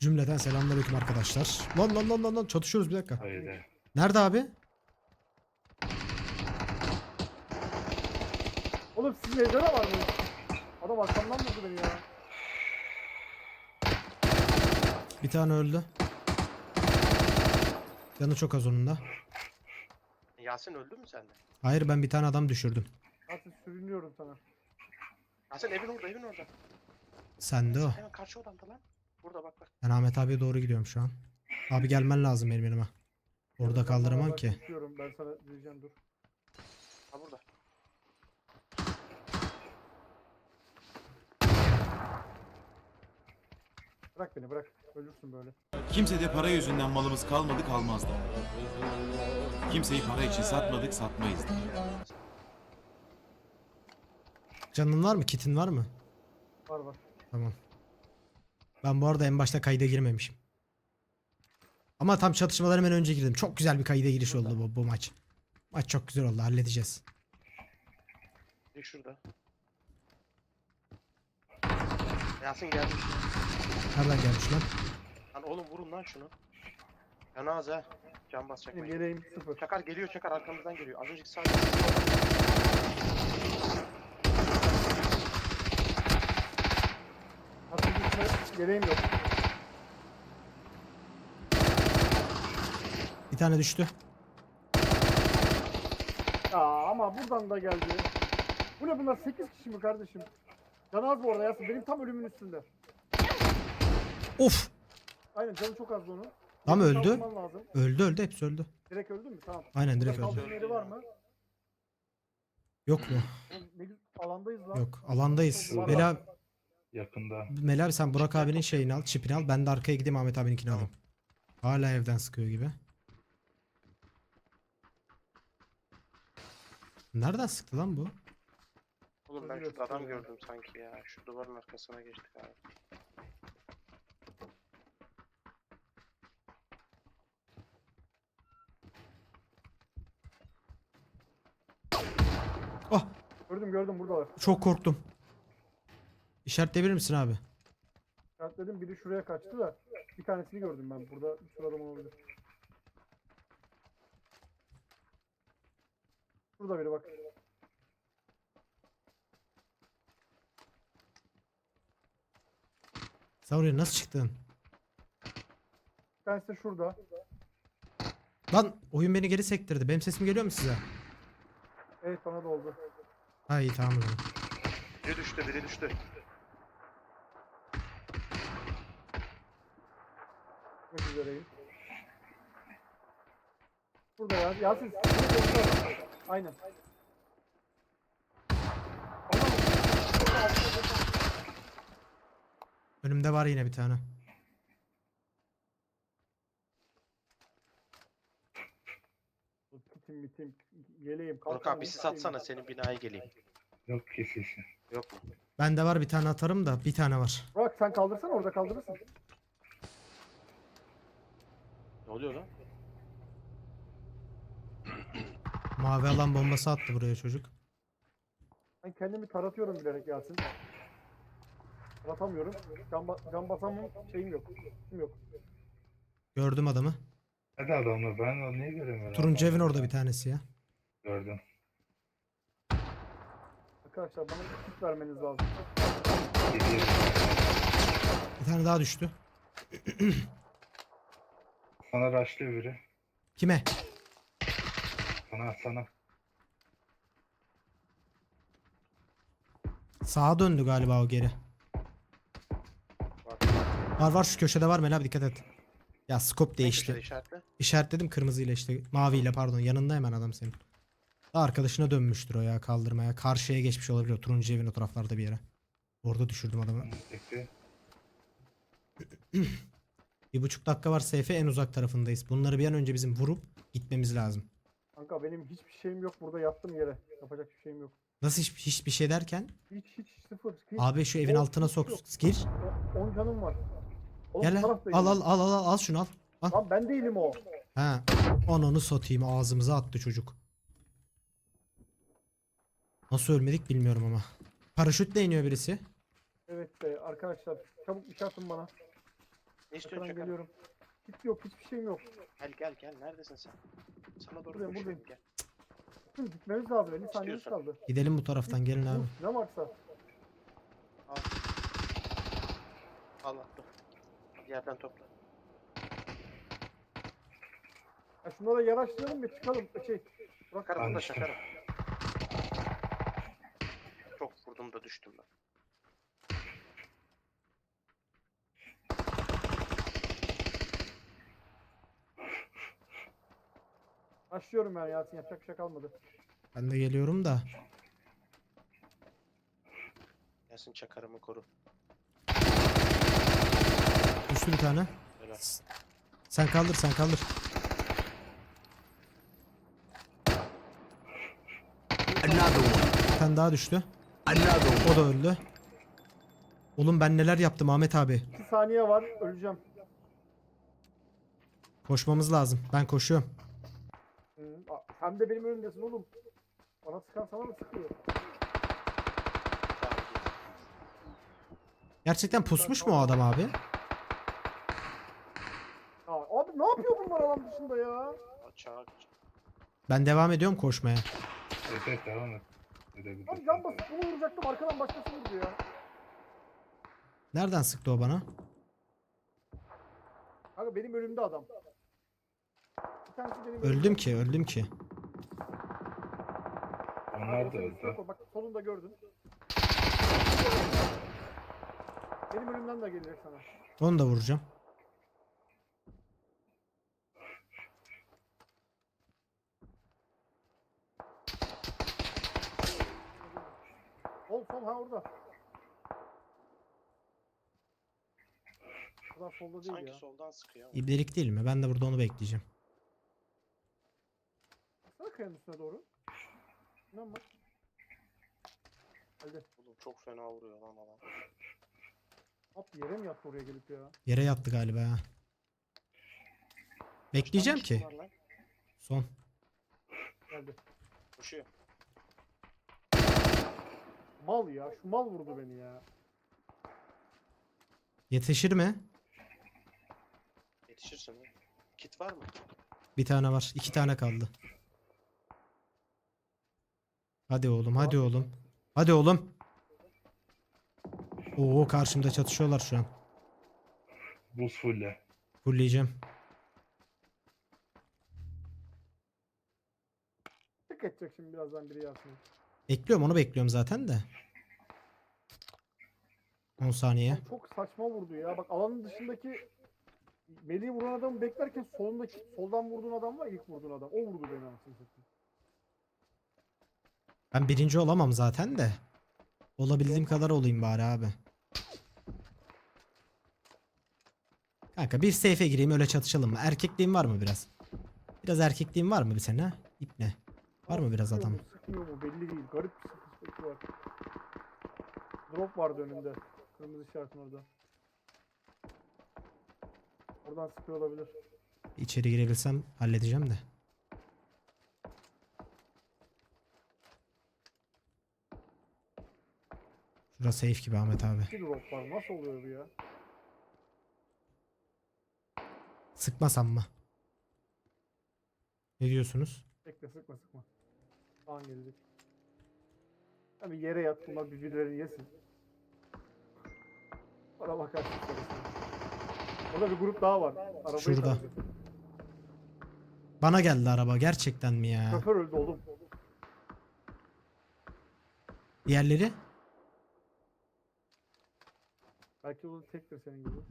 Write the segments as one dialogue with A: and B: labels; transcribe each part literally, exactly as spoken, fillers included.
A: Cümleten selamünaleyküm arkadaşlar. Lan lan lan lan lan çatışıyoruz bir dakika.
B: Haydi.
A: Nerede abi?
C: Oğlum sizin evde de var mı? Adam arkamdan vurdu beni ya.
A: Bir tane öldü. Canı çok az onun da.
D: Yasin öldü mü sende?
A: Hayır, ben bir tane adam düşürdüm.
C: Artık sürünüyorum sana.
D: Yasin evin orada, evin orada.
A: Sende o.
D: Hemen karşı odamda lan. Burada bak bak.
A: Ben Ahmet abiye doğru gidiyorum şu an. Abi gelmen lazım benim yanıma. Orada
C: Ben
A: kaldıramam
C: beraber
A: ki.
C: konuşuyorum, ben sana diyeceğim dur.
D: Ha burada.
C: Bırak beni bırak. Ölürsün böyle.
E: Kimsede para yüzünden malımız kalmadı kalmaz da. Kimseyi para için satmadık satmayız da.
A: Canın var mı? Kitin var mı?
C: Var var.
A: Tamam. Ben bu arada en başta kayda girmemişim. Ama tam çatışmadan hemen önce girdim. Çok güzel bir kayda giriş oldu bu, bu maç. Maç çok güzel oldu. Halledeceğiz.
D: Bir şurada. Yasin gelmiş.
A: Nereden gelmiş lan?
D: Lan oğlum vurun lan şunu. Yana az ha. Can basacak.
C: Benim
D: belki.
C: yeleğim sıfır.
D: Çakar geliyor, Çakar arkamızdan geliyor. Az önceki sağ.
C: Artık gitme, yeleğim yok.
A: Bir tane düştü.
C: Aa ama buradan da geldi. Bu ne bunlar sekiz kişi mi kardeşim? Can az bu arada Yasin. Benim tam ölümün üstünde.
A: Of!
C: Aynen canı çok azdı onun.
A: Tam
C: Birini
A: öldü.
C: kaldırman lazım.
A: Öldü öldü. Hepsi öldü.
C: Direkt öldü mü? Tamam.
A: Aynen direkt
C: Kaldırma
A: öldü.
C: yeri var mı?
A: Yok mu?
C: Oğlum ne güzel alandayız lan.
A: Yok. Alandayız.
C: Var,
A: Mela,
C: var.
B: Yakında.
A: Mela abi sen Burak abinin şeyini al. Çipini al. Ben de arkaya gideyim Ahmet abininkini alayım. Hala evden sıkıyor gibi. Nereden sıktı lan bu?
D: Oğlum ben şurada adam gördüm sanki ya. Şu duvarın arkasına geçtik abi.
A: Oh!
C: Gördüm gördüm buradalar.
A: Çok korktum. İşaretleyebilir misin abi?
C: Dedim biri şuraya kaçtı da bir tanesini gördüm ben. Burada bir sürü adam olabilir. Burada biri bak.
A: Sen oraya nasıl çıktın?
C: Bir tanesi de şurada.
A: Lan oyun beni geri sektirdi. Benim sesim geliyor mu size?
C: Evet bana da oldu.
A: Ha iyi tamam o zaman.
D: Biri düştü, biri düştü.
C: Gitmek üzereyim. Burada ya. Yasin. Şurada. Aynen.
A: Önümde var yine bir tane.
C: Kitim bitim. Yeleğim.
D: Burak abi bizi satsana, senin binaya geleyim.
B: Yok kesişi.
D: Yok mu?
A: Bende var bir tane atarım da bir tane var.
C: Burak sen kaldırsana orada kaldırırsın.
D: Ne oluyor lan?
A: Mavi alan bombası attı buraya çocuk.
C: Ben kendimi taratıyorum bilerek Yasin. Taratamıyorum. Can, ba can basamam şeyim yok. Kim yok.
A: Gördüm adamı.
B: Hadi adamlar, ben onu niye göremiyorum?
A: Turuncu evin orada bir tanesi ya.
B: Gördüm.
C: Arkadaşlar bana bir tip vermeniz lazım.
B: Gidiyor.
A: Bir tane daha düştü.
B: Sana raşlıyor biri.
A: Kime?
B: Sana sana.
A: Sağa döndü galiba o geri.
D: Bak.
A: Var var şu köşede var Mel abi dikkat et. Ya scope
D: Ne
A: değişti.
D: köşede işaretle?
A: İşaretledim kırmızıyla işte. Maviyle pardon. Yanında hemen adam senin. Arkadaşına dönmüştür o ya kaldırmaya. Karşıya geçmiş olabilir o turuncu evin o taraflarda bir yere. Orada düşürdüm adamı.
B: Bekle.
A: Bir buçuk dakika var S F en uzak tarafındayız. Bunları bir an önce bizim vurup gitmemiz lazım.
C: Kanka benim hiçbir şeyim yok. Burada yattım yere. Yapacak bir şeyim yok.
A: Nasıl hiç, hiçbir şey derken?
C: Hiç hiç sıfır. Hiç.
A: Abi şu evin
C: On-
A: altına
C: hiç
A: sok.
C: yok.
A: Gir.
C: on canım var. Oğlum
A: Gel
C: bu
A: lan.
C: taraftayım.
A: Al al al al al al şunu al. Al.
C: Lan ben değilim o.
A: Ha. Ananı satayım ağzımıza attı çocuk. Nasıl ölmedik bilmiyorum ama. Paraşütle iniyor birisi.
C: Evet be arkadaşlar çabuk iş atın bana.
D: Ne istiyorsun
C: Arkadan
D: Çakar?
C: geliyorum. Hiç yok, hiçbir şeyim yok.
D: Gel gel gel. Neredesin sen? Sana doğru
C: Buradayım,
D: koşuyorum
C: buradayım.
D: gel.
C: Hı, gitmemiz lazım. elli saniyemiz
D: İstiyorsan.
C: kaldı.
A: Gidelim bu taraftan gelin abi.
C: Dur, ne varsa.
D: Al. Al attım. Yerden topla.
C: Ya şunlara yanaştıralım bir çıkalım. Şey. Bırak
D: Çakarım
B: Ben
D: da
B: düştüm.
D: çakarım. Çok vurdum da düştüm ben.
C: Başlıyorum ben Yasin, yapacak bir şey kalmadı.
A: Ben de geliyorum da.
D: Gelsin çakarımı koru.
A: Düştü bir tane.
D: Helal.
A: Sen kaldır sen kaldır. Bir tane daha düştü. O da öldü. Oğlum ben neler yaptım Ahmet abi.
C: iki saniye var, öleceğim.
A: Koşmamız lazım. Ben koşuyorum.
C: Hı, a- sen de benim önümdesin oğlum. Bana sıkan sana mı sıkıyor?
D: Tamam git.
A: Gerçekten pusmuş mu o adam abi?
C: Aa, abi ne yapıyor bunlar alan dışında ya?
D: Çak.
A: Ben devam ediyorum koşmaya.
B: Evet evet devam et. Edebilirsin.
C: Abi can basıp bunu vuracaktım, arkadan başkası vurdu ya.
A: Nereden sıktı o bana?
C: Kanka benim önümde adam. Bir tanesi benim
A: Öldüm
C: önümde.
A: ki öldüm ki.
B: Onlar da
C: Bak,
B: öldü.
C: bak solunda gördün. Benim önümden de gelecek sana.
A: Onu da vuracağım.
C: Sol sol ha orada. Kadar solda değil
D: Sanki
C: ya.
D: soldan sıkıyor ama.
A: İbnelik değil mi? Ben de burada onu bekleyeceğim.
C: Sana kayanın üstüne doğru. İnan bak. Hadi.
D: Oğlum çok fena vuruyor lan adam.
C: At yere mi yattı oraya gelip ya?
A: Yere yattı galiba ha. Bekleyeceğim
D: Kaç tane
A: ki.
D: var lan?
A: Son.
C: Geldi.
D: Koşuyor.
C: Mal ya. Şu mal vurdu beni ya.
A: Yetişir mi?
D: Yetişirsin lan. Kit var mı?
A: Bir tane var. İki tane kaldı. Hadi oğlum hadi oğlum. Hadi oğlum. Oo karşımda çatışıyorlar şu an.
B: Buz fulle.
A: Fulleyeceğim.
C: Tık edecek şimdi birazdan biri Yasin.
A: Bekliyorum onu bekliyorum zaten de. on saniye.
C: Abi çok saçma vurdu ya. Bak alanın dışındaki Melih'i vuran adamı beklerken solundaki soldan vurduğun adam var ya, ilk vurduğun adam. O vurdu beni anasını satayım.
A: Ben birinci olamam zaten de. Olabildiğim kadar olayım bari abi. Kanka bir safe'e gireyim öyle çatışalım mı? Erkekliğin var mı biraz? Biraz erkekliğin var mı bir senin ha? İpne. Var mı biraz
C: Sıkıyor
A: adam?
C: mu, sıkmıyor mu belli değil. Garip bir sıkıntı var. Drop vardı önünde. Kırmızı işaretin orada. Oradan sıkıyor olabilir.
A: İçeri girebilsem halledeceğim de. Şurası safe gibi Ahmet abi.
C: İki drop var. Nasıl oluyor bu ya?
A: Sıkmasam mı? Ne diyorsunuz?
C: Bekle, sıkma sıkma. An gelecek. Abi yere yat, bunlar birbirlerini yesin. Bana bakarsın sonrasında. Orada bir grup daha var. Arabayı
A: Şurada.
C: tarayacak.
A: Bana geldi araba gerçekten mi ya?
C: Şoför öldü oğlum.
A: Diğerleri?
C: Belki o tektir senin gibi.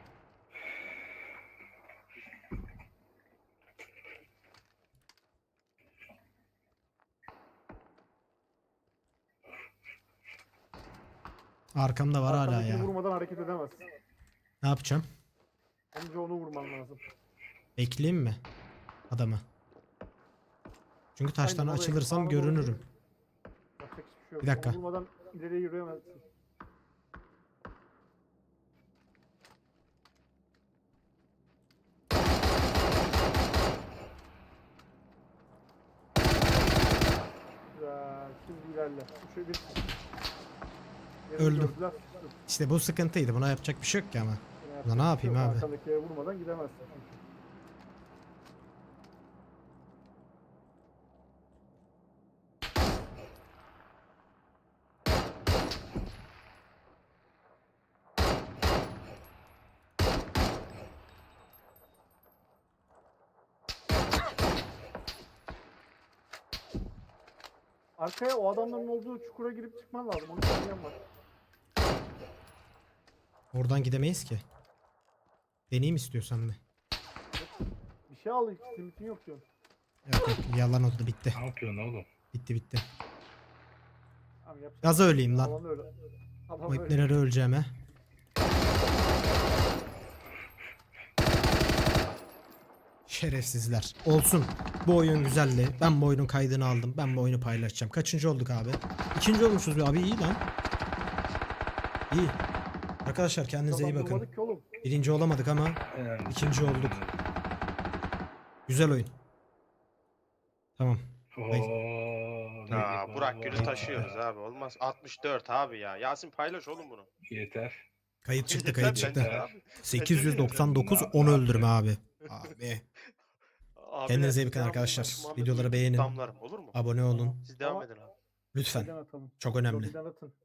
A: Arkamda var hala
C: Arkandakini
A: ya.
C: vurmadan hareket edemez.
A: Ne yapacağım?
C: Önce onu vurman lazım.
A: Bekleyeyim mi? Adamı. Çünkü taştan
C: Aynen, oraya
A: açılırsam
C: sağa doğru
A: görünürüm.
C: Yapacak hiçbir şey yok.
A: Bir dakika.
C: Onu vurmadan ileriye yürüyemezsin. Güzel. Şimdi ilerle. Şöyle bir... Yerini
A: Öldüm.
C: gördüler, sıçtı.
A: İşte bu sıkıntıydı. Buna yapacak bir şey yok ki ama.
C: Yine
A: Ulan ne yapayım
C: Yok,
A: abi?
C: Arkandakiye vurmadan gidemezsin. çünkü. Arkaya o adamların olduğu çukura girip çıkman lazım. Onu söyleyen var.
A: Oradan gidemeyiz ki. Deneyim istiyorsan bir.
C: Bir şey al, hiç limitin yok diyorsun.
A: Yok yok yalan oldu bitti.
B: Ne yapıyorsun oğlum?
A: Bitti bitti.
C: Tamam, yapacak.
A: Gaza öleyim lan.
C: Alan öyle. Adam
A: O
C: öyle.
A: ipneleri öleceğim he. Şerefsizler. Olsun. Bu oyun güzeldi. Ben bu oyunun kaydını aldım. Ben bu oyunu paylaşacağım. Kaçıncı olduk abi? İkinci olmuşuz abi. İyi lan. İyi. Arkadaşlar kendinize iyi bakın.
C: Kazandırmadık ki oğlum.
A: Birinci olamadık ama
B: Önemli.
A: ikinci olduk. Güzel oyun. Tamam.
B: Oo,
D: Aa,
B: ne-
D: Burak Gül'ü taşıyoruz abi. Olmaz. altmış dört abi ya. Yasin paylaş oğlum bunu.
B: Yeter.
A: Kayıt çıktı
D: Yeter
A: kayıt
D: bence
A: çıktı.
D: abi.
A: sekiz yüz doksan dokuz
B: Ne
A: on
B: yapıyor?
A: öldürme abi. Abi.
D: Abi
A: Kendinize iyi
D: ben
A: bakın
D: Muhammed
A: arkadaşlar.
D: Muhammed
A: Videoları
D: Uygur
A: beğenin.
D: Damlarım olur mu?
A: Abone olun.
D: Siz devam
C: Ama-
D: edin abi.
A: Lütfen.
C: Lobiden atalım.
A: Çok önemli.
C: Lobiden atın.